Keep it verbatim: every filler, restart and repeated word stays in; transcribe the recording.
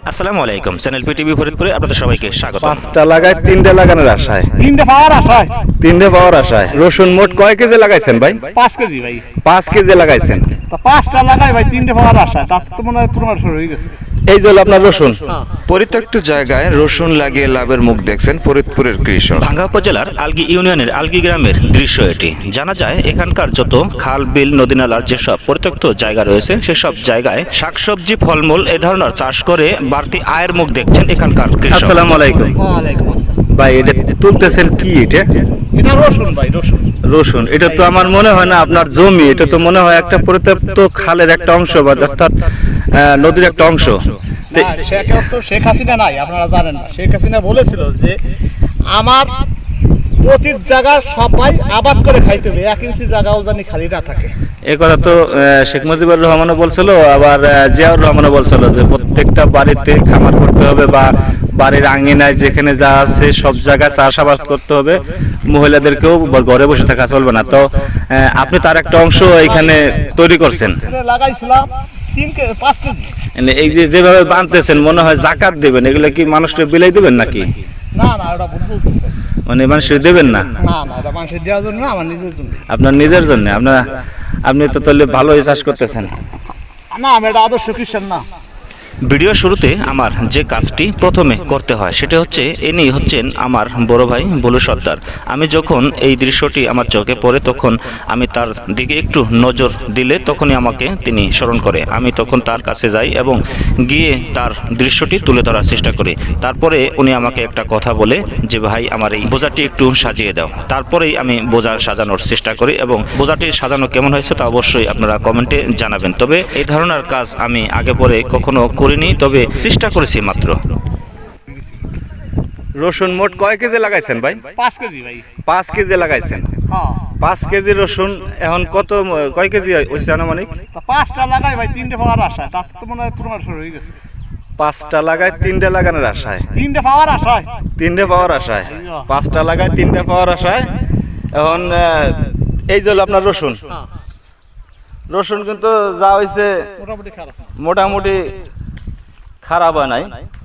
আসসালামু আলাইকুম, channel PTV ফরিদপুরে আপনাদের সবাইকে স্বাগত। পাঁচটা লাগায় তিনটে লাগানোর আশায় তিনটে পাওয়ার আশায় তিনটে পাওয়ার আশায় রসুন মোট কয় কেজি লাগাইছেন ভাই? পাঁচ কেজি ভাই। পাঁচ কেজি লাগাইছেন। তা পাঁচটা লাগাই ভাই, তিনটে পাওয়ার আশায়, তার তো মনে হয় পনেরো শুরু হয়ে গেছে। এই জল আপনার রসুন। পরিত্যক্ত জায়গায় রসুন লাগিয়ে লাভের মুখ দেখছেন ফরিদপুরের কৃষক। ভাঙ্গা উপজেলার আলগি ইউনিয়নের আলগি গ্রামের দৃশ্য এটি। জানা যায় এখানকার যত খাল বিল নদী নালার যেসব পরিত্যক্ত জায়গা রয়েছে সেসব জায়গায় শাকসবজি ফলমূল এ ধরনের চাষ করে বাড়তি আয়ের মুখ দেখছেন এখানকার কৃষক। আসসালামু আলাইকুম ওয়ালাইকুম আসসালাম। ভাই, এটা তুলতেছেন কি? এটা এটা রসুন ভাই, রসুন। রসুন। এটা তো আমার মনে হয় না আপনার জমি, এটা তো মনে হয় একটা পরিত্যক্ত খালের একটা অংশ বা অর্থাৎ আহ, নদীর একটা অংশ। না, শেখ- তো শেখ হাসিনা নাই, আপনারা জানেন না। শেখ হাসিনা বলেছিল যে আমার প্রতি জায়গা সবাই আবাদ করে খাইতে হবে, এক ইঞ্চি জায়গাও জানি খালি না থাকে। এই কথা তো আহ, শেখ মুজিবুর রহমানও বলছিল, আবার আহ, জিয়াউর রহমানও বলছিল যে প্রত্যেকটা বাড়িতে খামার করতে হবে বা বাড়ির আঙ্গিনায় যেখানে যা আছে সব জায়গায় চাষাবাদ করতে হবে, মহিলাদেরকেও ঘরে বসে থাকা চলবে না। তো আহ, আপনি তার একটা অংশ এখানে তৈরি করছেন। এটা লাগাইছিলাম তিন কে পাঁচ কেজি। মানে এই যে যেভাবে বানতেছেন মনে হয় জাকাত দেবেন, এগুলো কি মানুষকে বিলাই দিবেন নাকি? না না, ওটা ভুল বলতেছে। মানে মানুষের দেবেন না, না না, এটা মানুষের দেওয়ার জন্য না, আমার নিজের জন্য। আপনার নিজের জন্য। আপনার আপনি তো তাহলে ভালোই চাষ করতেছেন। না, আমি এটা আদর্শ খ্রিস্টান না। ভিডিও শুরুতে আমার যে কাজটি প্রথমে করতে হয় সেটা হচ্ছে, ইনি হচ্ছেন আমার বড় ভাই বলু সর্দার। আমি যখন এই দৃশ্যটি আমার চোখে পড়ে তখন আমি তার দিকে একটু নজর দিলে তখনই আমাকে তিনি স্মরণ করে। আমি তখন তার কাছে যাই এবং গিয়ে তার দৃশ্যটি তুলে ধরার চেষ্টা করি। তারপরে উনি আমাকে একটা কথা বলে যে, ভাই আমার এই বোঝাটি একটু সাজিয়ে দাও। তারপরেই আমি বোঝা সাজানোর চেষ্টা করি এবং বোঝাটি সাজানো কেমন হয়েছে তা অবশ্যই আপনারা কমেন্টে জানাবেন। তবে এই ধরনের কাজ আমি আগে পরে কখনো করিনি, তবে চেষ্টা করেছি মাত্র। রসুন মোট কয় কেজি লাগাইছেন ভাই? পাঁচ কেজি ভাই। পাঁচ কেজি লাগাইছেন। হ্যাঁ, পাঁচ কেজি রসুন এখন কত কয় কেজি হয়েছে আনুমানিক? তা পাঁচটা লাগাই ভাই, তিনটে পাওয়ার আশায়, তার তো মনে হয় পনেরো শুরু হয়ে গেছে। পাঁচটা লাগায় তিনটে লাগানোর আশায় তিনটে পাওয়ার আশায়। তিনটে পাওয়ার আশায় পাঁচটা লাগায় তিনটে পাওয়ার আশায় এখন আহ, এই যে হলো আপনার রসুন। হ্যাঁ, রসুন কিন্তু যা হয়েছে মোটামুটি খারাপ। মোটামুটি খারাপ হয় নাই।